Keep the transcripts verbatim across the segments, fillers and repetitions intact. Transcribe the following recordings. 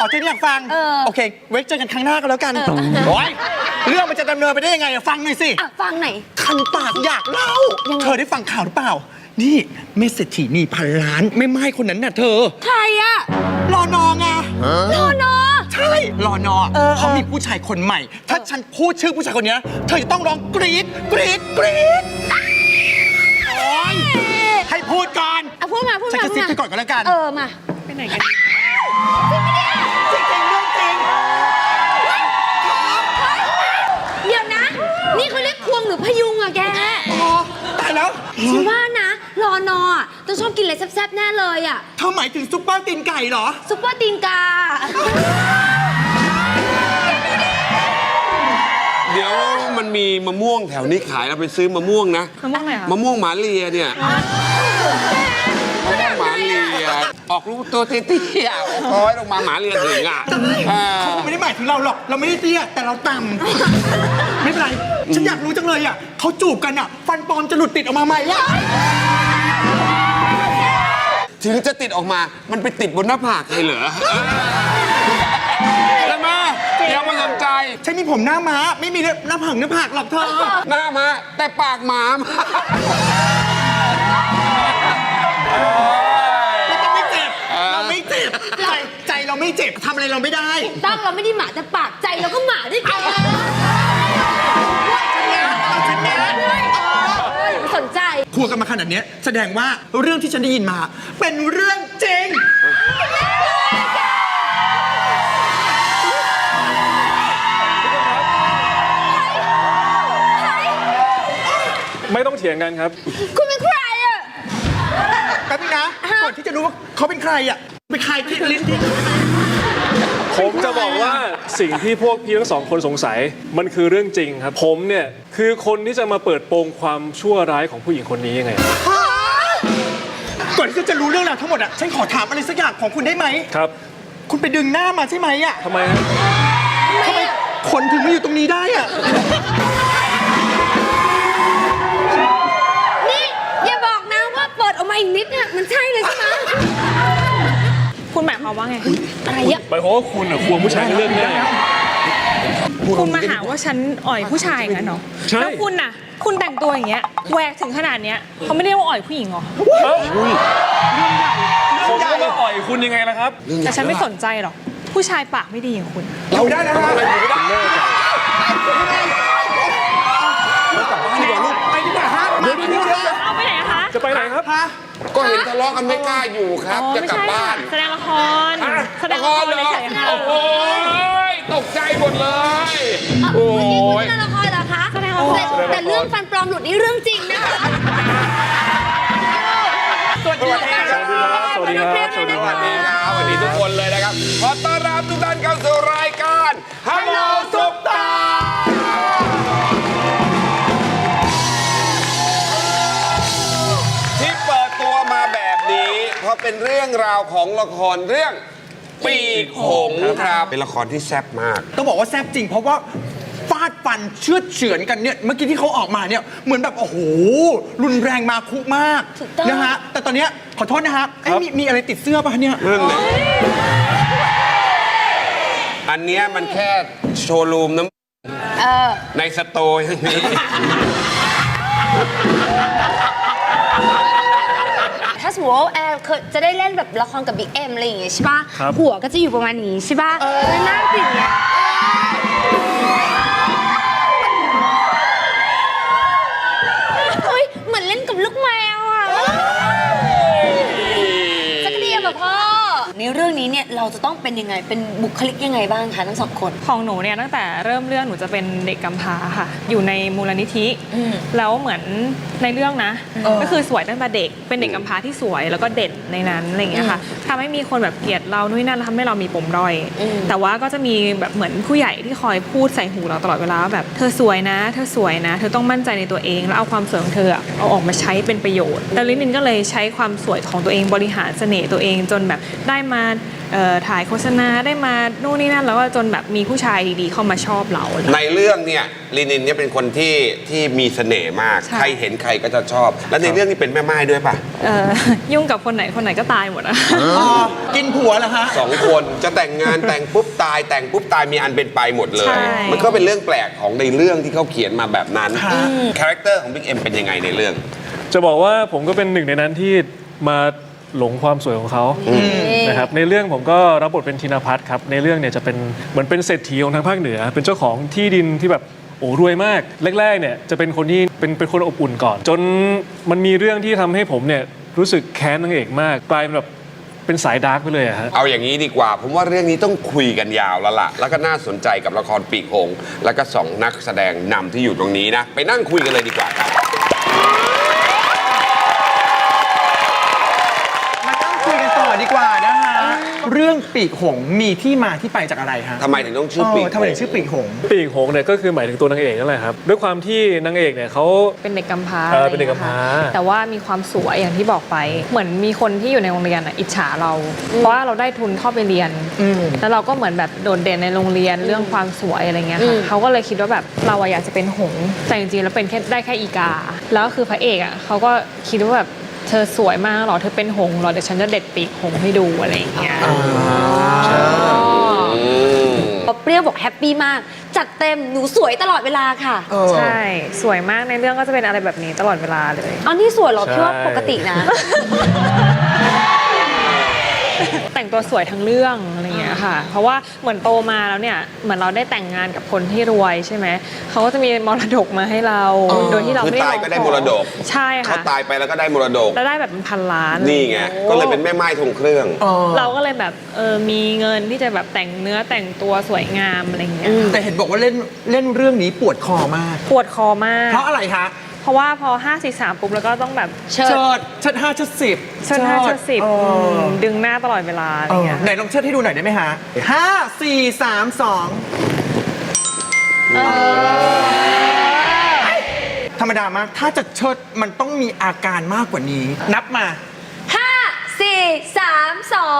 อ๋อเธออยากฟังโอเคไว้เจอกันครั้งหน้าก็แล้วกันโอ้ยเรื่องมันจะดำเนินไปได้ยังไงฟังหน่อยสิฟังไหนคันปากอยากเล่าเธอได้ฟังข่าวหรือเปล่านี่เมเศรษฐีนีพันล้านไม่ไม่คนนั้นน่ะเธอใครอะรอนอไงรอนอใช่รอนอเขามีผู้ชายคนใหม่ถ้าฉันพูดชื่อผู้ชายคนนี้เธอจะต้องร้องกรี๊ดกรี๊ดกรี๊ดโอ้ยให้พูดก่อนอ่ะพูดมาพูดมาฉันจะซิปไปก่อนก็แล้วกันเออมาไปไหนกันจริงจริงเรื่องจริงเดี๋ยวนะนี่เขาเรียกควงหรือพยุงอะแกตายแล้วฉันว่านะรอนอต้องชอบกินอะไรแซ่บๆแน่เลยอะเธอหมายถึงซุปเปอร์ตีนไก่เหรอซุปเปอร์ตีนกาเดี๋ยวมันมีมะม่วงแถวนี้ขายเราไปซื้อมะม่วงนะมะม่วงอะไรมะม่วงหมาเลียเนี่ยมะม่วงหมาเลียออกลูกตัวเตี้ยๆคอยลงมาหมาเลียถึงอ่ะเขาไม่ได้หมายถึงเราหรอกเราไม่ได้เตี้ยแต่เราต่ำไม่เป็นไรฉันอยากรู้จังเลยอ่ะเขาจูบกันอ่ะฟันปลอมจะหลุดติดออกมาไหมอ่ะถึงจะติดออกมามันไปติดบนหน้าผากใครเหรอแล้วมาเดี๋ยวมาสนใจฉันมีผมหน้าม้าไม่มีหน้าผากหน้าผากหรอกเธอหน้าม้าแต่ปากหมาเราไม่เจ็บเราไม่เจ็บใจใจเราไม่เจ็บทำอะไรเราไม่ได้ตั้งเราไม่ได้หมาแต่ปากใจเราก็หมาด้วยกันฉันนะสนใจพูดกันมาขนาดนี้แสดงว่าเรื่องที่ฉันได้ยินมาเป็นเรื่องจริงไม่ต้องเถียงกันครับคุณเป็นใครอ่ะแป๊บนึงนะก่อนที่จะรู้ว่าเขาเป็นใครอ่ะเป็นใครที่ลิ้นที่ผมจะบอกว่าสิ่งที่พวกพี่ทั้งสองคนสงสัยมันคือเรื่องจริงครับผมเนี่ยคือคนที่จะมาเปิดโปงความชั่วร้ายของผู้หญิงคนนี้ยังไงก่อนที่จะรู้เรื่องราวทั้งหมดอ่ะฉันขอถามอะไรสักอย่างของคุณได้ไหมครับคุณไปดึงหน้ามาใช่ไหมอ่ะทำไมฮะทำไมคนถึงมาอยู่ตรงนี้ได้อ่ะนี่อย่าบอกนะว่าเปิดออกมาอีกนิดเนี่ยมันใช่เลยใช่ไหมคุณหมายความว่าไงอะไรอ่ะหมายความว่าคุณอ่ะควงผู้ชายเรื่องนี้คุณมาหาว่าฉันอ่อยผู้ชายงั้นเหรอแล้วคุณน่ะคุณแต่งตัวอย่างเงี้ยแหวกถึงขนาดเนี้ยเขาไม่ได้ว่าอ่อยผู้หญิงหรอผมก็มาอ่อยคุณยังไงล่ะครับแต่ฉันไม่สนใจหรอกผู้ชายปากไม่ดีอย่างคุณเราได้นะฮะไปดีกว่าฮะเดี๋ยวเดี๋ยวเอาไปไหนคะจะไปไหนครับก็เห็นทะเลาะกันไม่กล้าอยู่ครับจะกลับบ้านแสดงละครแสดงละครเลยใช่ค่ะโอ้ยตกใจหมดเลยโอ้ยแสดงละครเหรอคะแสดงละครแต่เรื่องฟันปลอมหลุดนี่เรื่องจริงนะคะสวัสดีครับสวัสดีครับสวัสดีครับสวัสดีครับสวัสดีทุกคนเลยนะครับขอต้อนรับทุกท่านเข้าสู่รายการฮัลโหลซุปตาที่เปิดตัวมาแบบนี้เพราะเป็นเรื่องราวของละครเรื่องปีกหงส์ครับเป็นละครที่แซ่บมากต้องบอกว่าแซ่บจริงเพราะว่าฟาดฟันเชือดเฉือนกันเนี่ยเมื่อกี้ที่เขาออกมาเนี่ยเหมือนแบบโอ้โหรุนแรงมาคุมากนะฮะแต่ตอนเนี้ยขอโทษนะฮะมีมีอะไรติดเสื้อป่ะเนี่ยอันเนี้ยมันแค่โชว์รูมน้ำในสโตร์อย่างนี้ถ้าสมมติว่าแอร์จะได้เล่นแบบละครกับบิ๊กเอ็มอะไรอย่างเงี้ยใช่ป่ะหัวก็จะอยู่ประมาณนี้ใช่ป่ะเออหน้าติดเนี่ยเฮ้ยเหมือนเล่นกับลูกแมวอ่ะสักเดียวแบบพ่อในเรื่องนี้เนี่ยเราจะต้องเป็นยังไงเป็นบุคลิกยังไงบ้างคะทั้งสองคนของหนูเนี่ยตั้งแต่เริ่มเรื่องหนูจะเป็นเด็กกำพร้าค่ะอยู่ในมูลนิธิแล้วเหมือนในเรื่องนะก็คือสวยตั้งแต่เด็กเป็นเด็กกำพร้าที่สวยแล้วก็เด่นในนั้นอะไรอย่างเงี้ยค่ะทำให้มีคนแบบเกลียดเรานู่นนั่นทำให้เรามีปมด้อยแต่ว่าก็จะมีแบบเหมือนผู้ใหญ่ที่คอยพูดใส่หูเราตลอดเวลาแบบเธอสวยนะเธอสวยนะเธอต้องมั่นใจในตัวเองแล้วเอาความสวยของเธอเอาออกมาใช้เป็นประโยชน์แต่ลินินก็เลยใช้ความสวยของตัวเองบริหารเสน่ห์ตัวเองจนแบบได้มาเอ่อถ่ายโฆษณาได้มานู่นนี่นั่นแล้วก็จนแบบมีผู้ชายดีๆเข้ามาชอบเราอะไรในเรื่องเนี่ยลินินเนี่ยเป็นคนที่ที่มีเสน่ห์มากใช่ใครเห็นใครก็จะชอบ แล้วในเรื่องนี้เป็นแม่ไม้ด้วยป่ะเอ่อยุ่งกับคนไหนคนไหนก็ตายหมดอะอ๋อกินผัวเหรอฮะสองคนจะแต่งงานแต่งปุ๊บตายแต่งปุ๊บตายมีอันเป็นไปหมดเลใช่ย มันก็เป็นเรื่องแปลกของในเรื่องที่เขาเขียนมาแบบนั้นค่ะคาแรคเตอร์ของบิ๊กเอ็มเป็นยังไงในเรื่องจะบอกว่าผมก็เป็นหนึ่งในนั้นที่มาหลงความสวยของเขานะครับในเรื่องผมก็รับบทเป็นธินภัทรครับในเรื่องเนี่ยจะเป็นเหมือนเป็นเศรษฐีของทางภาคเหนือ เป็นเจ้าของที่ดินที่แบบโอ้รวยมากแรกๆเนี่ยจะเป็นคนที่เป็นเป็นคนอบอุ่นก่อน จนมันมีเรื่องที่ทำให้ผมเนี่ยรู้สึกแค้นนางเอกมากกลายเป็นแบบเป็นสายดาร์กไปเลยอะฮะเอาอย่างนี้ดีกว่า ผมว่าเรื่องนี้ต้องคุยกันยาวแล้วล่ะ แล้วก็น่าสนใจกับละครปีกหงส์แล้วก็สองนักแสดงนำที่อยู่ตรงนี้นะ ไปนั่งคุยกันเลยดีกว่าครับมาต้องคุยกันต่อดีกว่านะฮะ เรื่องปีกหงส์มีที่มาที่ไปจากอะไรฮะทำไมถึงต้องชื่อปีกเทำไมถึงชื่อปีกหงส์ปีกหงส์เนี่ยก็คือหมายถึงตัวนางเอกนั่นแหละครับด้วยความที่นางเอกเนี่ยเขาเป็นเด็กกำพร้าเออเป็นเด็กกำพร้าอะไรอย่งงี้ยค่ะแต่ว่ามีความสวยอย่างที่บอกไป เหมือนมีคนที่อยู่ในโรงเรียนอ่ะอิจฉาเรา เพราะว่าเราได้ทุนเข้าไปเรียน แล้วเราก็เหมือนแบบโดดเด่นในโรงเรียนเรื่องความสวยอะไรเงี้ยค่ะเขาก็เลยคิดว่าแบบเราอะอยากจะเป็นหงส์แต่จริงๆแล้วเป็นแค่ได้แค่อีกา แล้วคือพระเอกอ่ะเขาก็คิดว่าแบบเธอสวยมากหรอเธอเป็นหงส์หรอเดี๋ยวฉันจะเด็ดปีกหงส์ให้ดูอะไรอย่างเงี้ยเปรี้ยวบอกแฮปปี้มาก จัดเต็มหนูสวยตลอดเวลาค่ะใช่สวยมากในเรื่องก็จะเป็นอะไรแบบนี้ตลอดเวลาเลยอ๋อนี่สวยเหรอพี่ว่าใช่ปกตินะแต่งตัวสวยทั้งเรื่องอะไรอย่างเงี้ยค่ะ เพราะว่าเหมือนโตมาแล้วเนี่ยเหมือนเราได้แต่งงานกับคนที่รวยใช่ไหมเขาก็จะมีมรดกมาให้เรา โดยที่เราคือไม่ได้ตายก็ได้มรดกใช่เขาค่ะตายไปแล้วก็ได้มรดกแล้วได้แบบเป็นพันล้านนี่ไง ก็เลยเป็นแม่ไม้ทรงเครื่องเราก็เลยแบบเออมีเงินที่จะแบบแต่งเนื้อแต่งตัวสวยงามอะไรอย่างเงี้ยแต่เห็นบอกว่าเล่นเล่นเรื่องนี้ปวดคอมากปวดคอมากเพราะอะไรคะเพราะว่าพอห้า สี่ สามปุ๊บแล้วก็ต้องแบบเชิดเชิดเชิดห้าเชิดสิบเชิดห้าเชิดสิบเออมดึงหน้าตลอดเวลาอะไรเออเงี้ยไหนลองเชิดให้ดูหน่อยได้ไหมฮะห้าสี่สามสองธรรมดามาก ถ้าจะเชิดมันต้องมีอาการมากกว่านี้ นับมาห้าสี่สามสอง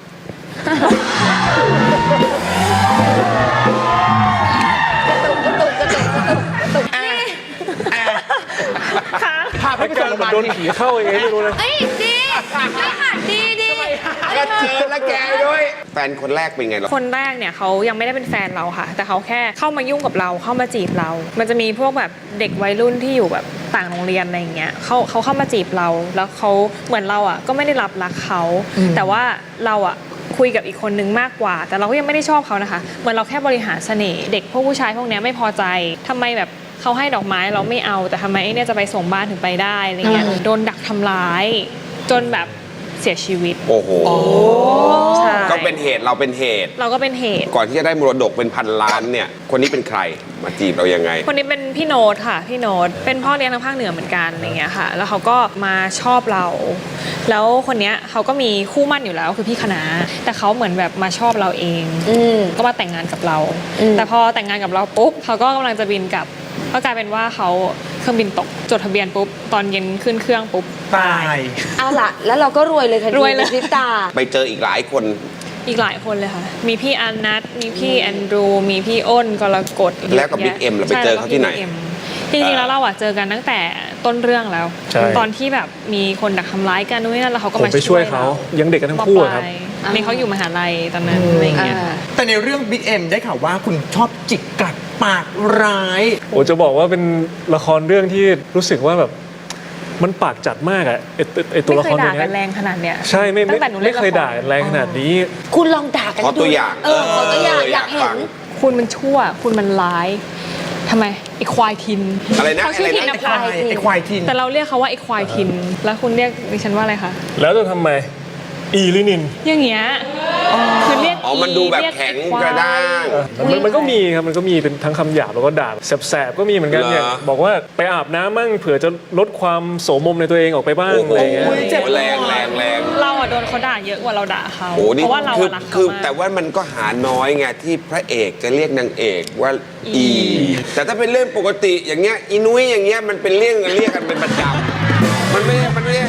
พาไปส่งโรงพยาบาลโดนทีผีเข้ายังไงไม่รู้นะเอ้ยดีไม่ค่ะดีดีก็เจอแล้วแกด้วย แฟนคนแรกเป็นไงล่ะคนแรกเนี่ยเขายังไม่ได้เป็นแฟนเราค่ะ แต่เขาแค่เข้ามายุ่งกับเราเข้ามาจีบเรา มันจะมีพวกแบบเด็กวัยรุ่นที่อยู่แบบต่างโรงเรียนอะไรอย่างเงี้ยเขาเขาเข้ามาจีบเรา แล้วเขาเหมือนเราอ่ะก็ไม่ได้รับรักเขา แต่ว่าเราอ่ะคุยกับอีกคนนึงมากกว่า แต่เราก็ยังไม่ได้ชอบเขานะคะเหมือนเราแค่บริหารเสน่ห์เด็กพวกผู้ชายพวกเนี้ยไม่พอใจทำไมแบบเขาให้ดอกไม้เราไม่เอาแต่ทำไมไอ้เนี่ยจะไปส่งบ้านถึงไปได้อะไรเงี้ยโดนดักทำร้ายจนแบบเสียชีวิตโอ้โหใช่ก็เป็นเหตุเราเป็นเหตุเราก็เป็นเหตุก่อนที่จะได้มรดกเป็นพันล้านเนี่ย คนนี้เป็นใคร มาจีบเรายังไงคนนี้เป็นพี่โน้ตค่ะพี่โน้ตเป็นพ่อเลี้ยงทางภาคเหนือเหมือนกันอะไรเงี้ยค่ะ แล้วเขาก็มาชอบเรา แล้วคนเนี้ยเขาก็มีคู่มั่นอยู่แล้วคือพี่คณะแต่เขาเหมือนแบบมาชอบเราเองอืมก็มาแต่งงานกับเราอืมแต่พอแต่งงานกับเราปุ๊บเขาก็กำลังจะบินกลับก็กลายเป็นว่าเขาเครื่องบินตกจดทะเบียนปุ๊บตอนเย็นขึ้นเครื่องปุ๊บตายเอาล่ะ แล้วเราก็รวยเลยค่ะรวยเลยในพริบตาไปเจออีกหลายคนอีกหลายคนเลยค่ะ มีพี่อันนัทมีพี่แอนดรูมีพี่อ้นกรกฎแล้วกับ Big M ล่ะไปเจอเขาที่ไหนใช่แล้วก็พี่ Big M จริงๆแล้วเราอะเจอกันตั้งแต่ต้นเรื่องแล้วใช่ตอนที่แบบมีคนดักทำร้ายกันนู่นนนั่นแล้วเขาก็ผมมาไปช่วยเขายังเด็กกันทั้งคู่อะครับมปลายนี่เขาอยู่มหาลัยตอนนั้นอะไรอย่างเงี้ยค่ะแต่ในเรื่อง Big M ได้ข่าวว่าคุณชอบจิกกัดปากร้ายโอ้จะบอกว่าเป็นละครเรื่องที่รู้สึกว่าแบบมันปากจัดมากอะไอไอ้ตัวละครไม่ตัวเคยด่าเนี้กันแรยงขนาดเนี้ยใช่ไม่ตั้ไม่งแต่หนูเล่ไม่นละครเคยด่ากันแรงขนาดนี้คุณลองด่ากันขอตัวอย่างเออขอตัวอย่างอยากเห็ฟันงคุณมันชั่ว คุณมันร้ายทำไมไอ้ควายทินอะไรนะเขาชื่ออะไรทินนะนะไอ้ควายไอ้ควายทินแต่เราเรียกเขาว่าไอ้ควายทิน แล้วคุณเรียกดิฉันว่าอะไรคะแล้วจะทำไมอีลินินอย่างเงี้ยคือเรียกอ๋อ มันดูแบบเรียแข็งไอ้ควายกระด้างมันมันก็มีครับมันก็มีเป็นทั้งคำหยาบแล้วก็ด่าแสบๆก็มีเหมือนกันเหรอเนี่ยบอกว่าไปอาบน้ำมั่งเผื่อจะลดความโสมมในตัวเองออกไปบ้างโอ้โหอะไรอย่างเงี้ยเจ็บแรงแรงแรงเราอะโดนเขาด่าเยอะกว่าเราด่าเขาโอ้นี่เพราะว่าเราคืออะรักคืเขาอมากแต่ว่ามันก็หาน้อยไงที่พระเอกจะเรียกนางเอกว่าอีอี แต่ถ้าเป็นเรื่องปกติอย่างเงี้ยอีนุ้ยอย่างเงี้ยมันเป็นเรื่องเรียกกันเป็นประจำมันไม่มันไม่เรียก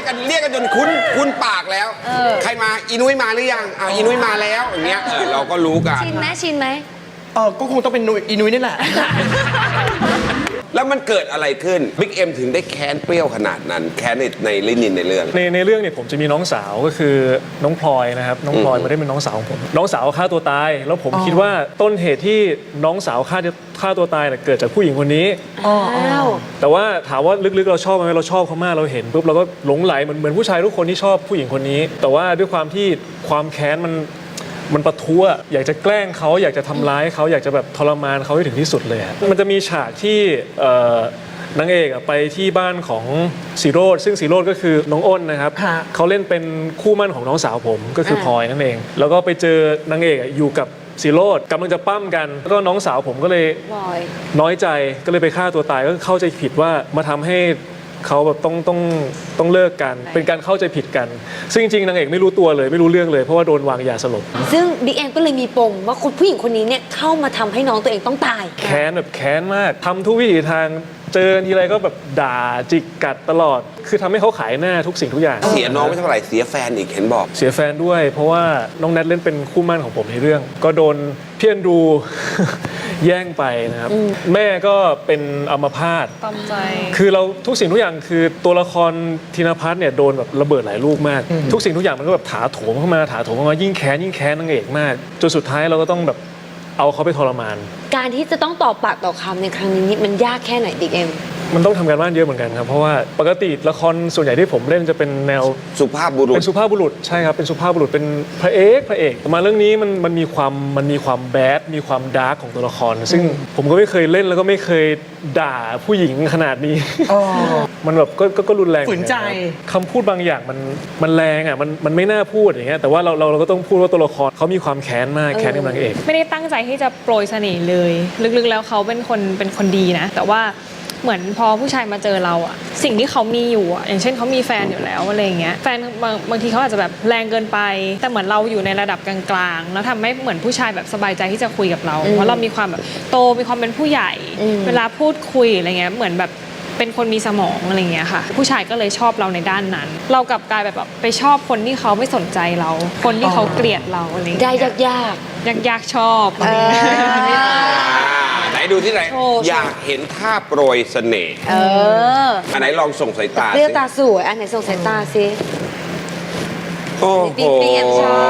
กันเรียกกันจนคุ้นคุ้นปากแล้ว ใครมาอีนุ้ยมาหรือยังอ่าอีนุ้ยมาแล้วอย่างเงี้ยเออเราก็รู้กันชินไหมชินไหมเออก็คงต้องเป็นนุยอีนุ้ยนี่แหละแล้วมันเกิดอะไรขึ้นบิ๊กเอ็มถึงได้แค้นเปรี้ยวขนาดนั้น แค้นในในลินินในเรื่องในในเรื่องเนี่ยผมจะมีน้องสาวก็คือน้องพลอยนะครับน้องพลอยไม่ได้เป็นน้องสาวของผมน้องสาวฆ่าตัวตาย แล้วผมคิดว่าต้นเหตุที่น้องสาวฆ่าฆ่าตัวตายเนี่ยเกิดจากผู้หญิงคนนี้อ้าวแต่ว่าถามว่าลึกๆเราชอบไหมเราชอบเขามากเราเห็นปุ๊บเราก็หลงไหลเหมือนเหมือนผู้ชายทุกคนที่ชอบผู้หญิงคนนี้ แต่ว่าด้วยความที่ความแค้นมันมันปะทุอะอยากจะแกล้งเขาอยากจะทำร้ายเขาอยากจะแบบทรมานเขาให้ถึงที่สุดเลยอะมันจะมีฉากที่เอ่อนางเอกอะไปที่บ้านของสีโรดซึ่งสีโรดก็คือน้องอ้นนะครับฮะเขาเล่นเป็นคู่มั่นของน้องสาวผมก็คือพลอยนั่นเอง แล้วก็ไปเจอนางเอกอะอยู่กับสีโรดกำลังจะปั้มกันแล้วก็น้องสาวผมก็เลยบอยน้อยใจก็เลยไปฆ่าตัวตายก็เข้าใจผิดว่ามาทำให้เขาแบบต้องต้องต้องเลิกกัน เป็นการเข้าใจผิดกัน ซึ่งจริงๆนางเอกไม่รู้ตัวเลยไม่รู้เรื่องเลยเพราะว่าโดนวางยาสลบซึ่งบิ๊กแอมก็เลยมีปมว่าคนผู้หญิงคนนี้เนี่ยเข้ามาทำให้น้องตัวเองต้องตายแค้นแบบแค้นมากทำทุกวิถีทางเจอทีไรก็แบบด่าจิกกัดตลอด คือทำให้เขาขายหน้าทุกสิ่งทุกอย่างเสียน้องไม่เท่าไหร่เสียแฟนอีกเห็นบอกเสียแฟนด้วย เพราะว่าน้องแนทเล่นเป็นคู่หมั่นของผมในเรื่อง ก็โดนเพี้ยนดู แย่งไปนะครับ แม่ก็เป็นอัมพาตตอมใจคือเราทุกสิ่งทุกอย่างคือตัวละครธินภัทรเนี่ยโดนแบบระเบิดหลายลูกมาก ทุกสิ่งทุกอย่างมันก็แบบถาโถมเข้ามาถาโถมเข้ามายิ่งแค้นยิ่งแค้นนางเอกมากจนสุดท้ายเราก็ต้องแบบเอาเขาไปทรมานการที่จะต้องตอบปากต่อคำในครั้งนี้นี่มันยากแค่ไหนบิ๊กเอ็มมันต้องทำการบ้านเยอะเหมือนกันครับเพราะว่าปกติละครส่วนใหญ่ที่ผมเล่นจะเป็นแนวสุภาพบุรุษเป็นสุภาพบุรุษใช่ครับเป็นสุภาพบุรุษเป็นพระเอกพระเอกแต่มาเรื่องนี้มันมันมีความมันมีความแบดมีความดาร์กของตัวละคร ซึ่งผมก็ไม่เคยเล่นแล้วก็ไม่เคยด่าผู้หญิงขนาดนี้ มันแบบก็ก็ก็รุนแรงฝืนใจเหมือกัครับคำพูดบางอย่างมันมันแรงอ่ะมันมันไม่น่าพูดอย่างเงี้ยแต่ว่าเราเราเราก็ต้องพูดว่าตัวละครเขามีความแค้นมากแค้นกับนางเอกไม่ได้ตั้งใจที่จะโปรยเสน่ห์เลย ลึกๆแล้วเขาเป็นคนเป็นคนดีนะ แต่ว่าเหมือนพอผู้ชายมาเจอเราอะสิ่งที่เขามีอยู่อะอย่างเช่นเขามีแฟนอยู่แล้วอะไรอย่างเงี้ยแฟนบางบางทีเขาอาจจะแบบแรงเกินไป แต่เหมือนเราอยู่ในระดับกลางๆแล้วทำให้เหมือนผู้ชายแบบสบายใจที่จะคุยกับเรา เพราะเรามีความแบบโตมีความเป็นผู้ใหญ่ เวลาพูดคุยอะไรเงี้ยเหมือนแบบเป็นคนมีสมองอะไรเงี้ยค่ะ ผู้ชายก็เลยชอบเราในด้านนั้น เรากลับกลายแบบแบบไปชอบคนที่เขาไม่สนใจเรา คนที่เขาเกลียดเราอะไรเงี้ยได้ยากยากยากยากๆชอบๆเออไหนดูที่ไหนโชว์อยากเห็นท่าโปรยเสน่ห์เอออันไหนลองส่งสายตาเปรี้ยวสิตาสวยอันไหนส่งสายตาสิโอ้โหบิ๊กเอ็มชอบ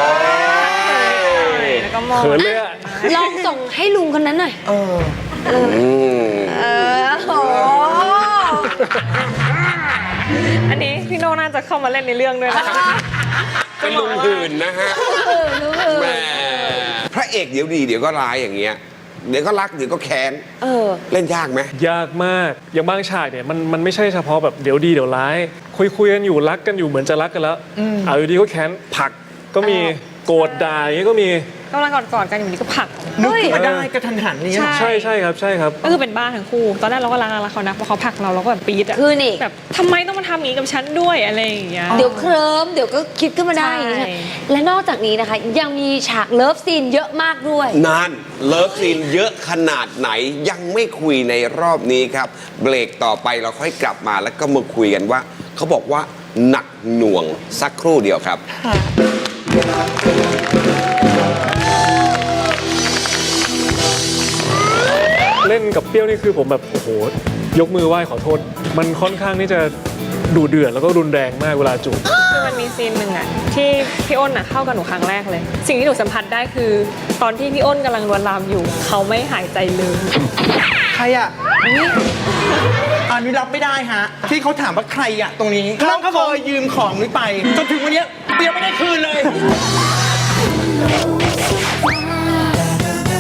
แล้วก็มองเขินเลยอะลองส่งให้ลุงคนนั้นหน่อยเอออืมเออโอ้อันนี้พี่โน่น่าจะเข้ามาเล่นในเรื่องด้วยนะเป็นลุงหื่นนะฮะแหมพระเอกเดี๋ยวดีเดี๋ยวก็ร้ายอย่างเงี้ยเดี๋ยวก็รักเดี๋ยวก็แค้นเออเล่นยากไหมยากมาก อย่างบางฉากเนี่ยมันมันไม่ใช่เฉพาะแบบเดี๋ยวดีเดี๋ยวร้าย คุยคุยกันอยู่รักกันอยู่เหมือนจะรักกันแล้วเอาอยู่ดีก็แค้นผลักก็มีโกรธด่าอย่างนี้ก็มีกำลังกอดๆกันอยู่นี่ก็ผลักนึกขึ้นมาได้กระทันหันนี่ใช่ใช่ใช่ครับใช่ครับก็คือเป็นบ้านทั้งคู่ ตอนแรกเราก็รักรักเขานะพอเขาผลักเราเราก็แบบปี๊ดอะคือนี่แบบทำไมต้องมาทำอย่างนี้กับฉันด้วยอะไรอย่างเงี้ยเดี๋ยวเคลิ้มเดี๋ยวก็คิดขึ้นมาได้อย่างนี้ใช่ใช่และนอกจากนี้นะคะ ยังมีฉากเลิฟซีนเยอะมากด้วยนั่นเลิฟซีนเยอะขนาดไหนยังไม่คุยในรอบนี้ครับ เบรกต่อไปเราค่อยกลับมาแล้วก็มาคุยกันว่า เขาบอกว่าหนักหน่วงสักครู่เดียวครับเล่นกับเปรี้ยวนี่คือผมแบบโอ้โหยกมือไหว้ขอโทษ มันค่อนข้างที่จะดุเดือดแล้วก็รุนแรงมากเวลาจูบคือมันมีซีนหนึ่งอะที่พี่อ้นอะเข้ากับหนูครั้งแรกเลย สิ่งที่หนูสัมผัสได้คือ ตอนที่พี่อ้นกำลังลวนลามอยู่ เขาไม่หายใจเลยใครอ่ะอันนี้รับไม่ได้ฮะ ที่เขาถามว่าใครอ่ะตรงนี้น้องเคยยืมของนุ้ยไป จนถึงวันเนี้ยเปียไม่ได้คืนเลย